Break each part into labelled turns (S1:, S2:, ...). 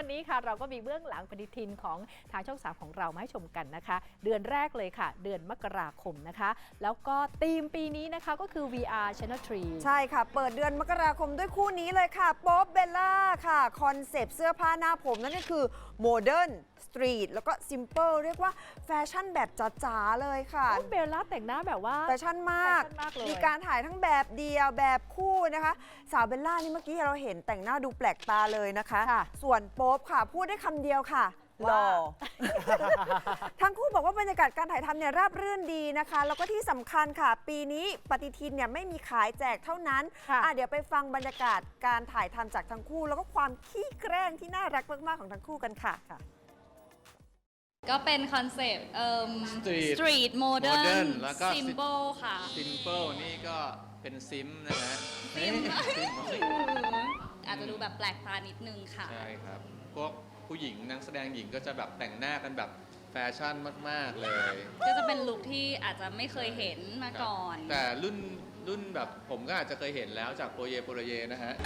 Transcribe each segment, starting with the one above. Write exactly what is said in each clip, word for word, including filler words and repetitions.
S1: วันนี้ค่ะเราก็มีเบื้องหลังปฏิทินของทางช่องสามของเรามาให้ชมกันนะคะเดือนแรกเลยค่ะเดือนมกราคมนะคะแล้วก็ธีมปีนี้นะคะก็คือ วี อาร์ Channel ทรี
S2: ใช่ค่ะเปิดเดือนมกราคมด้วยคู่นี้เลยค่ะโป๊ปเบลล่าค่ะคอนเซปต์เสื้อผ้าหน้าผมนั่นก็คือโมเดิร์นสตรีทแล้วก็ซิมเปิลเรียกว่าแฟชั่นแบบจ๋าๆเลยค่ะ
S1: เบลล่าแต่งหน้าแบบว่า
S2: แฟชั่นมากมีการถ่ายทั้งแบบเดียวแบบคู่นะคะสาวเบลล่านี่เมื่อกี้เราเห็นแต่งหน้าดูแปลกตาเลยนะคะส่วนโป๊ปค่ะพูดได้คำเดียวค่ะหล่อ ทั้งคู่บอกว่าบรรยากาศการถ่ายทำเนี่ยราบรื่นดีนะคะแล้วก็ที่สำคัญค่ะปีนี้ปฏิทินเนี่ยไม่มีขายแจกเท่านั้นอ่ะเดี๋ยวไปฟังบรรยากาศการถ่ายทำจากทั้งคู่แล้วก็ความขี้แกล้งที่น่ารักมากๆของทั้งคู่กันค่ะ
S3: ก็เป็นคอนเซปต์เอ่อ
S4: Street
S3: สตรีทโมเดิร์น
S4: แล้วก็
S3: ซิมโบลค่ะ
S4: Simple นี่ก็เป็นซิมนะฮะ
S3: ซิม
S4: ซิม
S3: อาจจะดูแบบแปลกตานิดนึงค่ะ
S4: ใช่ครับ พวกผู้หญิงนักแสดงหญิงก็จะแบบแต่งหน้ากันแบบแฟชั่นมาก ๆ เลย
S3: ก็จะเป็นลุคที่อาจจะไม่เคยเห็นมาก่อน
S4: แต่รุ่นรุ่นแบบผมก็อาจจะเคยเห็นแล้วจากโปรเยโปรเยนะฮะ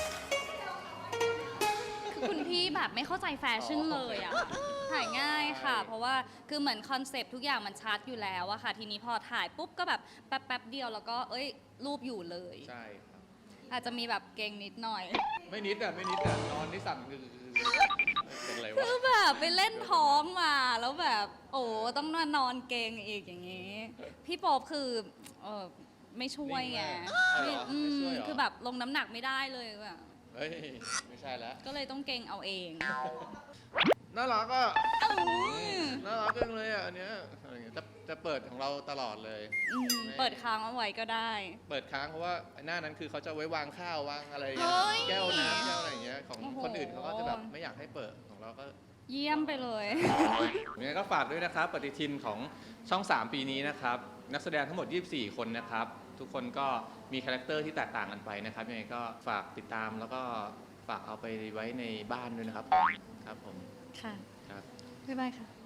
S3: คือคุณพี่แบบไม่เข้าใจแฟชั่นเลยอ่ะ ถ่ายง่ายค่ะ เพราะว่าคือเหมือนคอนเซปต์ทุกอย่างมันชัดอยู่แล้วอะค่ะ ทีนี้พอถ่ายปุ๊บก็แบบแป๊บๆเดียวแล้วก็เอ้ยรูปอยู่เลย
S4: ใช่ครับ
S3: อาจจะมีแบบเก่งนิดหน่อย
S4: ไม่นิดอ่ะ ไม่นิดอ่ะ นอนที่สั่นคือเป็นอะไร
S3: คื
S4: วะ
S3: อแบบไปเล่นท้องมาแล้วแบบโอ้ต้องนอนนอนเกงอีกอย่างนี้ พี่โป๊ปคือเออไม่ช่วยไง
S4: นิ่งมาก
S3: ไม่อืม
S4: ไม่ช่วยเหรอ
S3: คือแบบลงน้ำหนักไม่ได้เลยแบบ
S4: เฮ้ย ไม่ใช่แล้ว
S3: ก็เลยต้องเกงเอาเอง
S4: น่ารักอ่ะ
S3: อื้อ
S4: น่ารักจังเลยอ่ะอันเนี้ยอะไรเงี้ยจะจะเปิดของเราตลอดเลย
S3: อืมเปิดค้างเอาไว้ก็ได้
S4: เปิดค้างเพราะว่าหน้านั้นคือเขาจะไว้วางข้าววางอะไร
S3: เฮ้ย
S4: แก้วน้ำแก้วอะไรอย่างเงี้ยของ
S3: โอ้โห
S4: คนอื่นเขาก็จะแบบไม่อยากให้เปิดของเราก็
S3: เยี่ยมไปเลย
S4: ยังไงก็ฝากด้วยนะครับปฏิทินของช่องสามปีนี้นะครับนักแสดงทั้งหมดยี่สิบสี่คนนะครับทุกคนก็มีคาแรคเตอร์ที่แตกต่างกันไปนะครับยังไงก็ฝากติดตามแล้วก็ฝากเอาไปไว้ในบ้านด้วยนะครับผมครับผม
S3: ค่ะ
S4: ครับ
S3: บ๊ายบายค่ะ